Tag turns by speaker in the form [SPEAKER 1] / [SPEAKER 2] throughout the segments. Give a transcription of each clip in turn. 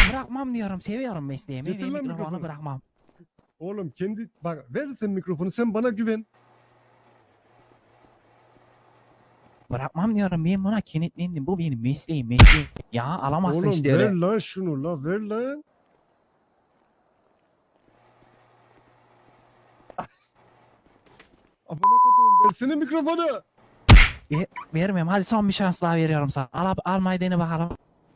[SPEAKER 1] Bırakmam diyorum. Seviyorum mesleğimi
[SPEAKER 2] Getir
[SPEAKER 1] ve
[SPEAKER 2] lan
[SPEAKER 1] mikrofonu
[SPEAKER 2] mikrofonu.
[SPEAKER 1] bırakmam.
[SPEAKER 2] Oğlum kendi bak ver sen mikrofonu, sen bana güven.
[SPEAKER 1] Bırakmam diyorum. Ben buna kenetlendim. Bu benim mesleğim. Ya alamazsın
[SPEAKER 2] Oğlum
[SPEAKER 1] işte
[SPEAKER 2] ver
[SPEAKER 1] öyle.
[SPEAKER 2] lan şunu, la ver lan. Amına koduğum, versene mikrofonu.
[SPEAKER 1] Vermem. Hadi son bir şans daha veriyorum sana. Almayı dene bakalım.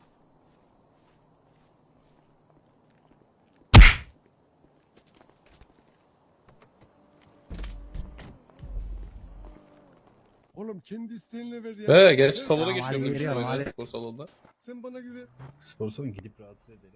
[SPEAKER 2] Oğlum kendi isteğinle ver ya.
[SPEAKER 3] He, gerçi
[SPEAKER 2] Ver.
[SPEAKER 3] salona
[SPEAKER 1] Tamam,
[SPEAKER 3] geçiyorum
[SPEAKER 1] hadi
[SPEAKER 3] demiştim
[SPEAKER 1] veriyorum,
[SPEAKER 3] öyle
[SPEAKER 1] hadi.
[SPEAKER 3] spor salonunda.
[SPEAKER 2] Sen bana güven.
[SPEAKER 4] Spor salonu gidip rahatsız edelim.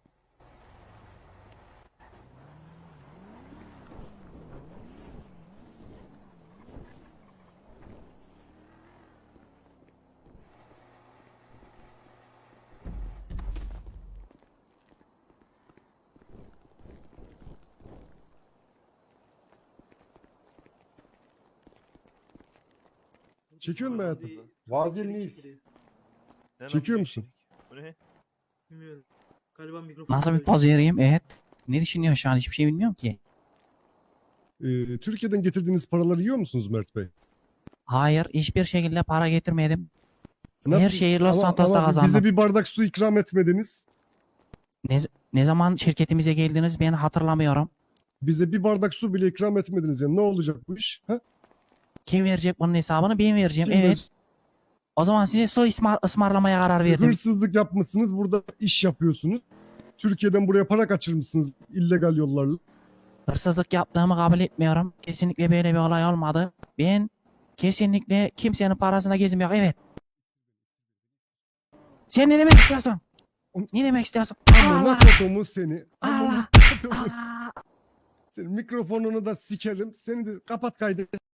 [SPEAKER 2] Çekiyor musun hayatım?
[SPEAKER 4] Vazelin iyiyiz.
[SPEAKER 2] Çekiyor musun?
[SPEAKER 5] Bu ne?
[SPEAKER 6] Bilmiyorum. Galiba mikrofon.
[SPEAKER 1] Nasıl bir poz vereyim? Evet. Ne düşünüyorsun şu an? Hiçbir şey bilmiyorum ki.
[SPEAKER 2] Türkiye'den getirdiğiniz paraları yiyor musunuz Mert Bey?
[SPEAKER 1] Hayır. Hiçbir şekilde para getirmedim. Her şeyi Los Santos'ta
[SPEAKER 2] ama
[SPEAKER 1] kazandım.
[SPEAKER 2] bize bir bardak su ikram etmediniz.
[SPEAKER 1] Ne zaman şirketimize geldiniz ben hatırlamıyorum.
[SPEAKER 2] Bize bir bardak su bile ikram etmediniz ya. Ne olacak bu iş? Ha?
[SPEAKER 1] Kim verecek bunun hesabını? Ben vereceğim.
[SPEAKER 2] Kim
[SPEAKER 1] Evet. O zaman size su ısmarlamaya karar
[SPEAKER 2] Siz
[SPEAKER 1] verdim.
[SPEAKER 2] hırsızlık yapmışsınız, burada iş yapıyorsunuz. Türkiye'den buraya para kaçırmışsınız illegal yollarla.
[SPEAKER 1] Hırsızlık yaptığımı kabul etmiyorum. Kesinlikle böyle bir olay olmadı. Ben kesinlikle kimsenin parasına gezmiyorum. Evet. Sen ne demek istiyorsun? Ne demek istiyorsun?
[SPEAKER 2] Amına
[SPEAKER 1] Allah!
[SPEAKER 2] kodumu seni. Amına
[SPEAKER 1] Allah!
[SPEAKER 2] kodumu.
[SPEAKER 1] Aa!
[SPEAKER 2] Senin mikrofonunu da sikerim. Seni de kapat kaydı.